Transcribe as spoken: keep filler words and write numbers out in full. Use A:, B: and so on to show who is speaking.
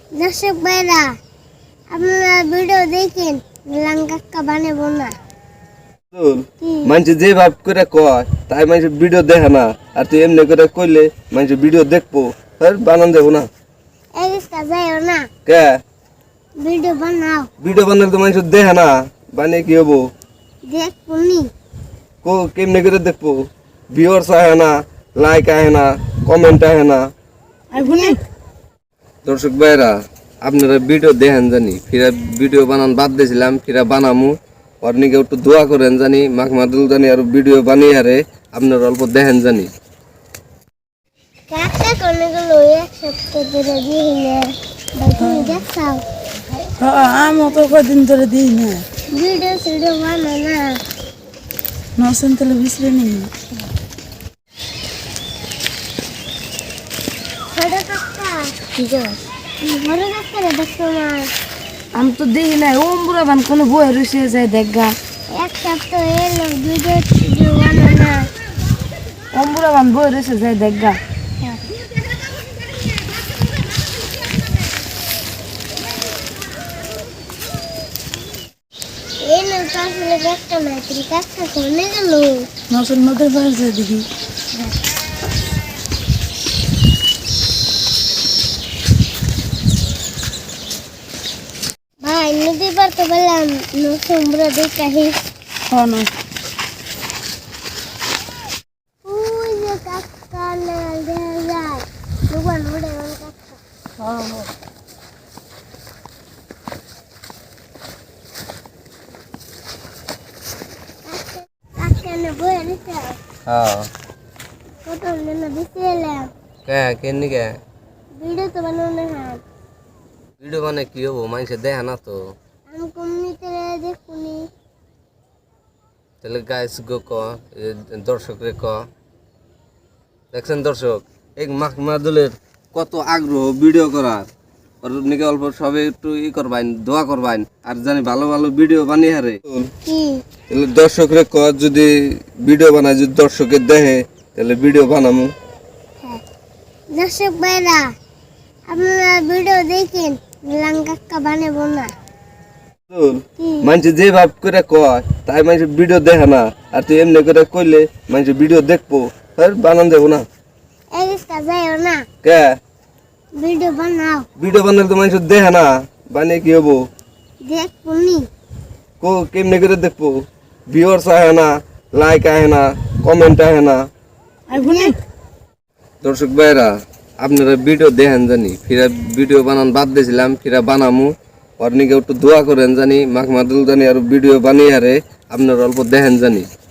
A: দর্শক ভাইরা আপনারা ভিডিও দেখেন মিলান কাকা বানাবো না
B: মানুষ যে ভাব করে কয় তাই মানুষ ভিডিও দেখে না আর তুই এমনি করে কইলে মানুষ ভিডিও দেখবো বানান দেবো না
A: এই রিস্কা যাইও না
B: কে
A: ভিডিও বানাও
B: ভিডিও বানালে তো মানুষ দেখে না বানিয়ে কি হবো
A: দেখবো নি
B: কো কেমনে করে দেখবো ভিউয়ার্স আহে না লাইক আহে না কমেন্ট আহে না দর্শক ভাইরা আপনারা ভিডিও দেখেন জানি ফিরা ভিডিও বানান বাদ দিয়েছিলাম ফিরা বানামু অর্নিকে একটু দোয়া করেন জানি মাখ মাদুল জানি আর ভিডিও বানিয়ে আরে আপনারা অল্প দেখেন জানি
A: কাকা কোনগুলো এক সপ্তাহ ধরে দিইলে তুমি দেখাও
C: হ্যাঁ আমি তো কদিন ধরে দিই না
A: ভিডিও ভিডিও বানাও না
C: নসেন তাহলে বিসরে নেই
A: বড় কাকা ঠিক আছে বড় কাকা দেখো না
C: আমি তো দেখি না ওম বুড়া বান কোনো বই রয়েছে যায় দেখা
A: এক সপ্তাহ এলো ভিডিও ভিডিও বানাও না
C: ওম বুড়া বান বই রয়েছে যায় দেখা
A: এই না তাহলে দেখো না তুমি কাকা কোনে গেল
C: নসেন নদের বাইরে যায় দেখি
A: ভাই নদী পার তো বললাম সমুদ্র দেখাহি
C: হ্যাঁ না
A: ওই যে কাকা না দেখা যায় দুবার উড়ে গেল কাকা
C: হ্যাঁ হ্যাঁ
A: কাকা না বই নিতে
B: হ্যাঁ
A: কত না দিতে এলাম
B: কে কেন কে
A: ভিডিও তো বানানো না
B: ভিডিও বানায় কি হবো মানুষ দেখে না তো
A: আমি কমিউনিতে দেখুনি
B: তাহলে গাইস গো ক দর্শক রে ক দেখছেন দর্শক এই মাখ মাদুলের কত আগ্রহ ভিডিও করার আর নিকে অল্প সবে একটু ই করবাইন দোয়া করবাইন আর জানি ভালো ভালো ভিডিও বানিয়ে হারে
A: কি
B: তাহলে দর্শক রে ক যদি ভিডিও বানায় যদি দর্শকের দেখে তাহলে ভিডিও বানামু
A: দর্শক ভাইরা আপনারা ভিডিও দেখেন মিলান কাকা বানাবো না
B: মানুষ যে ভাব করে কয় তাই মানুষ ভিডিও দেখে না আর তুই এমনি করে কইলে মানুষ ভিডিও দেখবো বানান দেবো না
A: এই রিস্কা যাইও না
B: কে
A: ভিডিও বানাও
B: ভিডিও বানালে তো মানুষ দেখে না বানিয়ে কি হবো
A: দেখবো নি
B: কো কেমনে করে দেখবো ভিউয়ার্স আহে না লাইক আহে না কমেন্ট আহে না দর্শক ভাইরা আপনারা ভিডিও দেখেন জানি ফিরা ভিডিও বানান বাদ দিয়েছিলাম ফিরা বানামু অর্নিকে একটু দোয়া করেন জানি মাখ মাদুল জানি আর ভিডিও বানিয়ে আরে আপনারা অল্প দেখেন জানি